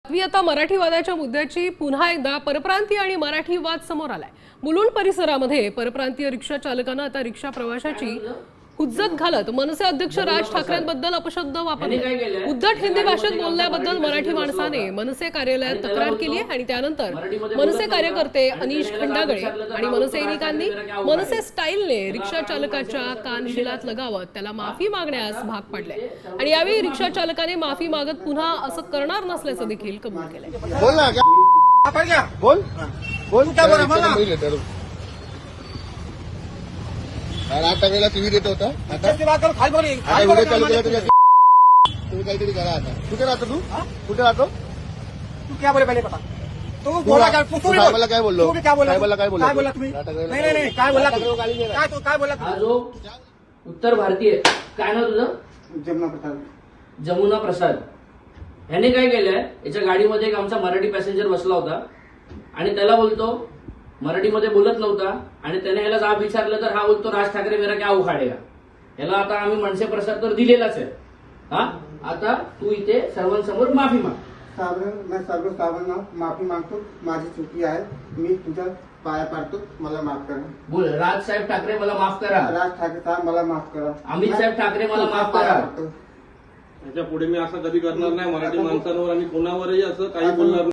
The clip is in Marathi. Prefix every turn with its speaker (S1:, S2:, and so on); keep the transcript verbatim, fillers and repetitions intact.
S1: मी आता मराठीवादाच्या मुद्द्याची पुन्हा एकदा परप्रांतीय आणि मराठी वाद समोर आलाय। मुलुंड परिसरामध्ये परप्रांतीय रिक्षा चालकानं आता रिक्षा प्रवाशाची हुज्जत घालत मनसे अध्यक्ष राज ठाकरेंबद्दल अपशब्द वापरले। उद्धट हिंदी भाषेत बोलल्याबद्दल मराठी माणसाने मनसे कार्यालयात तक्रार केली आहे आणि त्यानंतर मनसे कार्यकर्ते अनिश खंडागळे आणि मनसैनिकांनी मनसे स्टाईलने रिक्षा चालकाच्या कानशिलात लगावत त्याला माफी मागण्यास भाग पाडले आणि यावेळी रिक्षा चालकाने माफी मागत पुन्हा असं करणार नसल्याचं देखील कबूल केलंय।
S2: बोल ना क्या बोल बोल क्या बोल मला आता वेळेला टीव्ही देत होता आता खाली बोल आता व्हिडिओ चालू केला तुझ्या तुम्ही काहीतरी करा आता कुठे राहतो तू कुठे राहतो
S3: तू क्या बोले पहले पता तू बोला क्या तू
S2: साहेबाला काय बोललो
S3: तू क्या बोला
S2: साहेबाला काय बोललो
S3: काय बोला तुम्ही नाही नाही नाही काय बोला काय तू काय बोला
S4: हा जो उत्तर भारतीय काय नाव तुझं
S3: जमुना प्रसाद
S4: जमुना प्रसाद ह्याने काय केलंय याच्या गाडीमध्ये एक आमचा मराठी पॅसेंजर बसला होता आणि त्याला बोलतो मराठीमध्ये बोलत नव्हता आणि त्याने ह्याला जाब विचारलं तर हा बोलतो राज ठाकरे मेरा क्या उखाडेगा। ह्याला आता आम्ही मनसे प्रसाद तर दिलेलाच आहे। हा आता तू इथे सर्वांसमोर माफी माग।
S3: साहेब मैं सर्व साहेबांना माफी मागतो माझी चुकी आहे मी तुझ्या पाया पाडतो मला माफ करा।
S4: बोल राज साहेब ठाकरे मला माफ करा।
S3: राज ठाकरे साहेब मला माफ करा।
S4: अमित साहेब ठाकरे मला माफ करा।
S5: याच्या पुढे मी असं कधी करणार नाही मराठी माणसांवर आणि कोणावरही असं काही बोलणार नाही।